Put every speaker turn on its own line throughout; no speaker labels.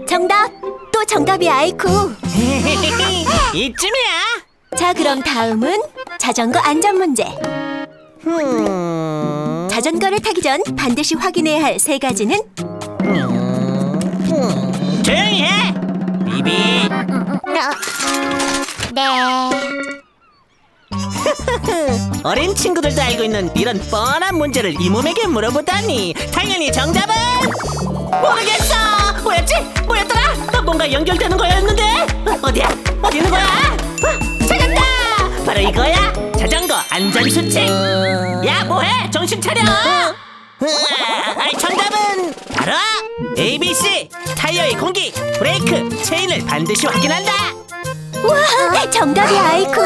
정답! 또 정답이야, 아이쿠.
이쯤이야.
자, 그럼 다음은 자전거 안전 문제. 자전거를 타기 전 반드시 확인해야 할 세 가지는?
조용히 해. 비비.
네.
어린 친구들도 알고 있는 이런 뻔한 문제를 이 몸에게 물어보다니. 당연히 정답은 모르겠어. 뭐였더라? 뭔가 연결되는 거였는데. 어디야? 어디 있는 거야? 찾았다. 바로 이거야. 자전거 안전수칙. 야, 뭐해? 정신 차려. 정답은 바로 ABC. 타이어의 공기, 브레이크, 체인을 반드시 확인한다.
우와, 정답이야, 아이쿠.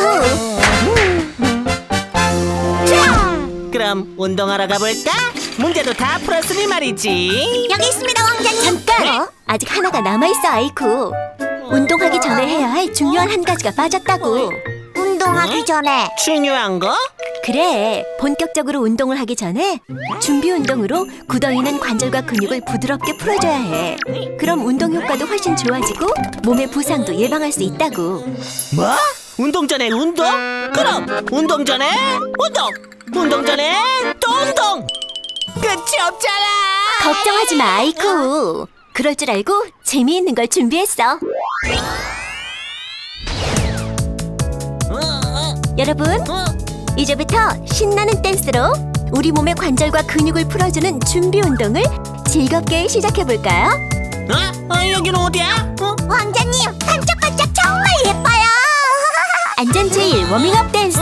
자, 그럼 운동하러 가볼까? 문제도 다 풀었으니 말이지.
여기 있습니다, 왕자님.
잠깐! 아직 하나가 남아있어, 아이쿠. 운동하기 전에 해야 할 중요한 한 가지가 빠졌다고.
운동하기 전에
중요한 거?
그래, 본격적으로 운동을 하기 전에 준비 운동으로 굳어있는 관절과 근육을 부드럽게 풀어줘야 해. 그럼 운동 효과도 훨씬 좋아지고 몸의 부상도 예방할 수 있다고.
뭐? 운동 전에 운동? 그럼 운동 전에 운동! 운동 전에 또 운동! 끝이 없잖아!
걱정하지 마, 아이쿠. 그럴 줄 알고 재미있는 걸 준비했어. 여러분, 이제부터 신나는 댄스로 우리 몸의 관절과 근육을 풀어주는 준비 운동을 즐겁게 시작해볼까요?
여기는 어디야?
왕자님 반짝반짝 정말 예뻐요.
안전 제일 워밍업 댄스.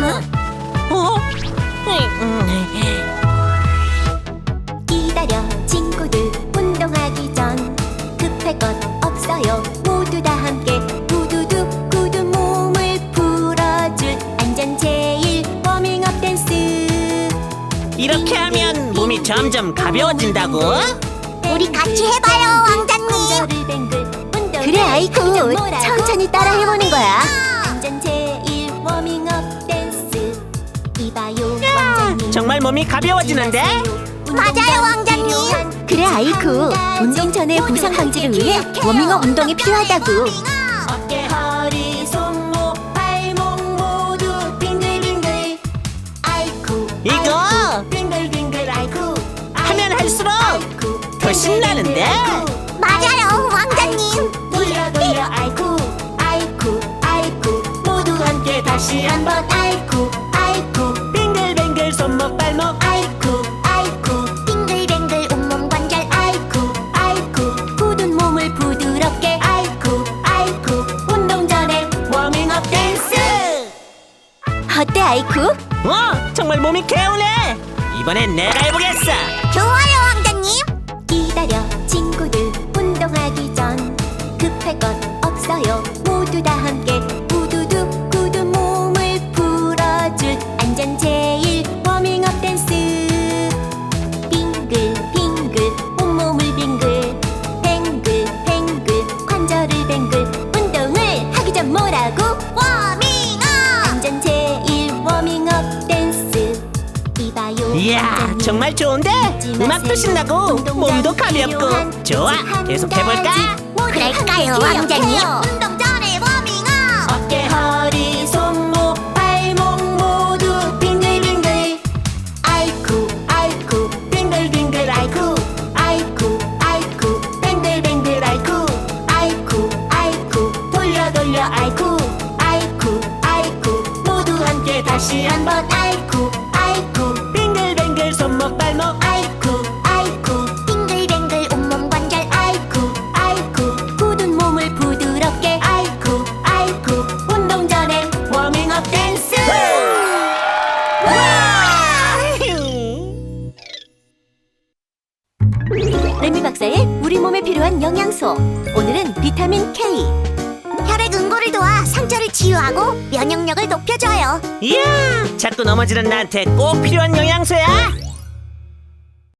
기다려 친구들, 운동하기 전 급할 것 없어요. 모두 다 함께 두두두 굳은 몸을 풀어줄 안전 제일 워밍업 댄스.
이렇게 하면 몸이 점점 가벼워진다고?
우리 같이 해봐요, 왕자님.
그래, 아이쿠. 천천히 따라 해보는 거야. 안전 제일 워밍업 댄스. 이봐요, 왕자님.
정말 몸이 가벼워지는데?
맞아요, 왕자님.
그래, 아이쿠. 운동 전에 부상 방지를 위해 워밍업 운동이 필요하다고. 어깨, 허리, 손목, 발목 모두 빙글빙글. 아이쿠.
이거
빙글빙글 아이쿠.
하면 할수록 더 신나는데?
맞아요, 왕자님.
돌려 돌려 아이쿠. 아이쿠 아이쿠. 모두 함께 다시 한번 아이쿠 아이쿠. 빙글빙글 손목 발목 아이쿠 아이쿠.
빙글빙글 온몸 관절.
아이쿠 아이쿠. 굳은 몸을 부드럽게 아이쿠 아이쿠. 운동 전에 워밍업 댄스. 어때, 아이쿠?
정말 몸이 개운해. 이번엔 내가 해보겠어.
좋아요, 왕자님.
기다려 친구들, 운동하기 전 급할 것 없어요. 모두 다 함께 우두두 굳은 몸을 풀어줄 안전 제일 워밍업 댄스. 빙글 빙글 온몸을 빙글 뱅글 뱅글 관절을 뱅글. 운동을 하기 전 뭐라고?
워밍업.
안전 제일 워밍업 댄스. 이봐요,
이야,
완전히.
정말 좋은데? 음악도 신나고 몸도 가볍고. 좋아, 계속 해볼까?
그럴까요, 왕자님? 운동 전에 워밍업.
어깨, 허리, 손목, 발목 모두 빙글빙글. 아이쿠 아이쿠. 빙글빙글 아이쿠 아이쿠 아이쿠. 뱅글뱅글 아이쿠 아이쿠 아이쿠. 돌려 돌려 아이쿠 아이쿠 아이쿠. 모두 함께 다시 한번 아이쿠 아이쿠. 빙글뱅글 손목 발목 아이쿠 아이쿠.
빙글빙글 온몸 관절.
아이쿠 아이쿠. 굳은 몸을 부드럽게 아이쿠 아이쿠. 운동 전에 워밍업 댄스. 레미 박사의 우리 몸에 필요한 영양소. 오늘은 비타민 K.
혈액 응고를 도와 상처를 치유하고 면역력을 높여줘요.
이야, 자꾸 넘어지는 나한테 꼭 필요한 영양소야.